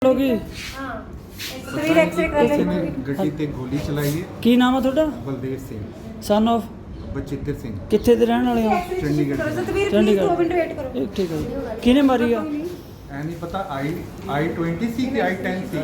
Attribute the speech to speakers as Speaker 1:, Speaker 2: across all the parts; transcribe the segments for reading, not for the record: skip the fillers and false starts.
Speaker 1: ਲੋਗੀ
Speaker 2: ਤਸਵੀਰ ਐਕਸਰੇ ਕਰ
Speaker 3: ਕਿਸੇ
Speaker 2: ਲੈਂਦੇ
Speaker 3: ਨੇ ਗੱਡੀ ਤੇ ਗੋਲੀ ਚਲਾਈ ਹੈ।
Speaker 1: ਕੀ ਨਾਮ ਆ ਤੁਹਾਡਾ?
Speaker 3: ਬਲਦੇਵ ਸਿੰਘ
Speaker 1: ਸਨ ਆਫ
Speaker 3: ਬਚਿੱਤਰ ਸਿੰਘ
Speaker 1: ਕਿੱਥੇ ਦੇ ਰਹਿਣ ਵਾਲੇ ਹੋ?
Speaker 3: ਚੰਡੀਗੜ੍ਹ ਦੇ।
Speaker 2: ਤਸਵੀਰ ਪਲੀਜ਼
Speaker 1: ਚੰਡੀਗੜ੍ਹ।
Speaker 2: 2 ਮਿੰਟ ਵੇਟ ਕਰੋ।
Speaker 1: ਠੀਕ ਹੈ ਜੀ। ਕਿਹਨੇ ਮਾਰੀ ਆ?
Speaker 3: ਐ ਨਹੀਂ ਪਤਾ I-20 ਸੀ ਕਿ I-10 ਸੀ।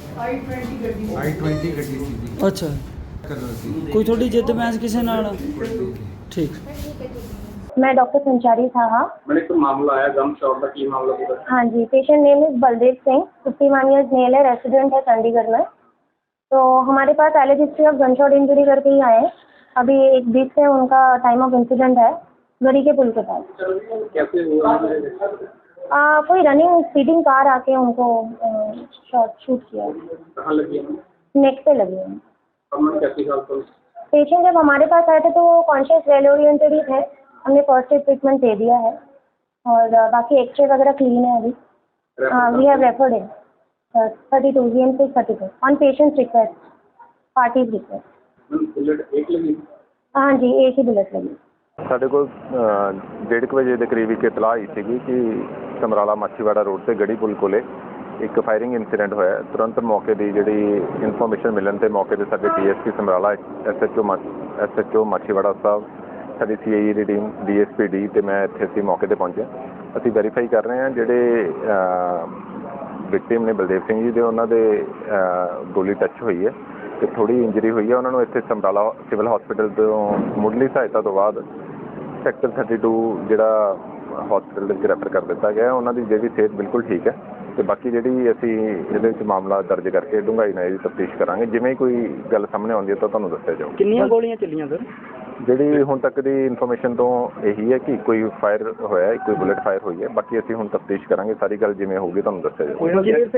Speaker 3: I-20 ਗੱਡੀ ਸੀ ਜੀ।
Speaker 1: ਅੱਛਾ,
Speaker 3: ਕਲਰ ਸੀ।
Speaker 1: ਕੋਈ ਤੁਹਾਡੀ ਜਿੱਦ ਬਹਿਸ ਕਿਸੇ ਨਾਲ? ਠੀਕ।
Speaker 4: मैं डॉक्टर संचारी साहा।
Speaker 5: मैंने एक मामला आया गम शॉट का, की मामला पूरा?
Speaker 4: हाँ जी, patient name is Baldev Singh, 51 years male है, रेसिडेंट है चंडीगढ़ में। तो हमारे पास alleged history of gunshot injury करके ही आए हैं। अभी एक बीच से उनका टाइम ऑफ इंसिडेंट है गरी के पुल के पास।
Speaker 5: कैसे हुआ?
Speaker 4: कोई रनिंग स्पीडिंग कार आके उनको शूट किया।
Speaker 5: कहाँ लगी?
Speaker 4: नेक पे लगी है।
Speaker 5: अब मैं कैसी हालत हूँ?
Speaker 4: पेशेंट जब हमारे पास आए थे तो वो कॉन्शियस वेल ओरिएंटेड ही थे। हमने फर्स्ट एड ट्रीटमेंट दे दिया है और बाकी एक्सरे वगैरह क्लीन है अभी। We have referred in 32 GM6 32 on patient's request, party's request.
Speaker 5: Bullet एक लगी?
Speaker 4: हाँ जी, एक ही बुलेट लगी।
Speaker 6: ਸਾਡੇ ਕੋਲ 1:30 ਵਜੇ ਦੇ ਕਰੀਬ ਇੱਕ ਇਤਲਾਹ ਆਈ ਸੀਗੀ ਕਿ ਸਮਰਾਲਾ ਮਾਛੀਵਾੜਾ ਰੋਡ ਤੇ ਗੜੀ ਪੁਲ ਕੋਲੇ ਇੱਕ ਫਾਇਰਿੰਗ ਇਨਸੀਡੈਂਟ ਹੋਇਆ। ਤੁਰੰਤ ਮੌਕੇ ਦੀ ਜਿਹੜੀ ਇਨਫੋਰਮੇਸ਼ਨ ਮਿਲਣ ਤੇ ਮੌਕੇ ਤੇ ਸਾਡੇ ਡੀਐਸਪੀ ਸਮਰਾਲਾ, ਐਸਐਚਓ ਮਾਛੀਵਾੜਾ ਸਾਹਿਬ, ਸਾਡੀ CIE ਦੀ ਟੀਮ, DSPD ਤੇ ਮੈਂ ਇੱਥੇ ਅਸੀਂ ਮੌਕੇ ਤੇ ਪਹੁੰਚੇ। ਅਸੀਂ ਵੈਰੀਫਾਈ ਕਰ ਰਹੇ ਹਾਂ ਜਿਹੜੇ ਵਿਕਟਿਮ ਨੇ ਬਲਦੇਵ ਸਿੰਘ ਜੀ ਦੇ, ਉਹਨਾਂ ਦੇ ਗੋਲੀ ਟੱਚ ਹੋਈ ਹੈ ਤੇ ਥੋੜ੍ਹੀ ਇੰਜਰੀ ਹੋਈ ਹੈ। ਉਹਨਾਂ ਨੂੰ ਇੱਥੇ ਸਮਰਾਲਾ ਸਿਵਲ ਹਸਪੀਟਲ ਤੋਂ ਮੁੱਢਲੀ ਸਹਾਇਤਾ ਤੋਂ ਬਾਅਦ ਸੈਕਟਰ 32 ਜਿਹੜਾ ਹਸਪੀਟਲ ਦੇ ਵਿੱਚ ਰੈਫਰ ਕਰ ਦਿੱਤਾ ਗਿਆ। ਉਹਨਾਂ ਦੀ ਜਿਹੜੀ ਸਿਹਤ ਬਿਲਕੁਲ ਠੀਕ ਹੈ ਤੇ ਬਾਕੀ ਜਿਹੜੀ ਅਸੀਂ ਇਹਦੇ ਵਿੱਚ ਮਾਮਲਾ ਦਰਜ ਕਰਕੇ ਡੂੰਘਾਈ ਨਾਲ ਇਹਦੀ ਤਫਤੀਸ਼ ਕਰਾਂਗੇ। ਜਿਵੇਂ ਕੋਈ ਗੱਲ ਸਾਹਮਣੇ ਆਉਂਦੀ ਹੈ ਤਾਂ ਤੁਹਾਨੂੰ ਦੱਸਿਆ ਜਾਊ।
Speaker 1: ਕਿੰਨੀਆਂ ਗੋਲੀਆਂ ਚੱਲੀਆਂ ਸਰ?
Speaker 6: ਜਿਹੜੀ ਹੁਣ ਤੱਕ ਦੀ ਇਨਫੋਰਮੇਸ਼ਨ ਤੋਂ ਇਹੀ ਹੈ ਕਿ ਕੋਈ ਫਾਇਰ ਹੋਇਆ, ਕੋਈ ਬੁਲੇਟ ਫਾਇਰ ਹੋਈ ਹੈ। ਬਾਕੀ ਅਸੀਂ ਹੁਣ ਤਫਤੀਸ਼ ਕਰਾਂਗੇ, ਸਾਰੀ ਗੱਲ ਜਿਵੇਂ ਹੋਊਗੀ ਤੁਹਾਨੂੰ ਦੱਸਿਆ ਜਾਊ।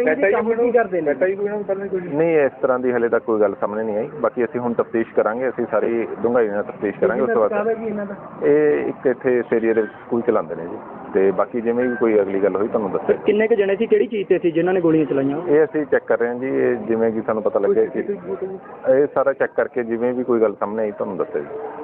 Speaker 6: ਨਹੀਂ, ਇਸ ਤਰ੍ਹਾਂ ਦੀ ਹਲੇ ਤੱਕ ਕੋਈ ਗੱਲ ਸਾਹਮਣੇ ਨਹੀਂ ਆਈ। ਬਾਕੀ ਅਸੀਂ ਹੁਣ ਤਫਤੀਸ਼ ਕਰਾਂਗੇ, ਅਸੀਂ ਸਾਰੀ ਡੂੰਘਾਈ ਨਾਲ ਤਫਤੀਸ਼ ਕਰਾਂਗੇ। ਉਸ ਤੋਂ ਬਾਅਦ ਇਹ ਇੱਕ ਇੱਥੇ ਇਸ ਏਰੀਏ ਦੇ ਵਿੱਚ ਸਕੂਲ ਚਲਾਉਂਦੇ ਨੇ ਜੀ, ਤੇ ਬਾਕੀ ਜਿਵੇਂ ਵੀ ਕੋਈ ਅਗਲੀ ਗੱਲ ਹੋਈ ਤੁਹਾਨੂੰ ਦੱਸਿਆ।
Speaker 1: ਕਿੰਨੇ ਕੁ ਜਣੇ ਸੀ, ਕਿਹੜੀ ਚੀਜ਼ ਤੇ ਸੀ ਜਿਨ੍ਹਾਂ ਨੇ ਗੋਲੀਆਂ ਚਲਾਈਆਂ?
Speaker 6: ਇਹ ਅਸੀਂ ਚੈੱਕ ਕਰ ਰਹੇ ਹਾਂ ਜੀ। ਇਹ ਜਿਵੇਂ ਕਿ ਸਾਨੂੰ ਪਤਾ ਲੱਗਿਆ ਕਿ ਇਹ ਸਾਰਾ ਚੈੱਕ ਕਰਕੇ ਜਿਵੇਂ ਵੀ ਕੋਈ ਗੱਲ ਸਾਹਮਣੇ ਆਈ ਤੁਹਾਨੂੰ ਦੱਸਿਆ ਜੀ।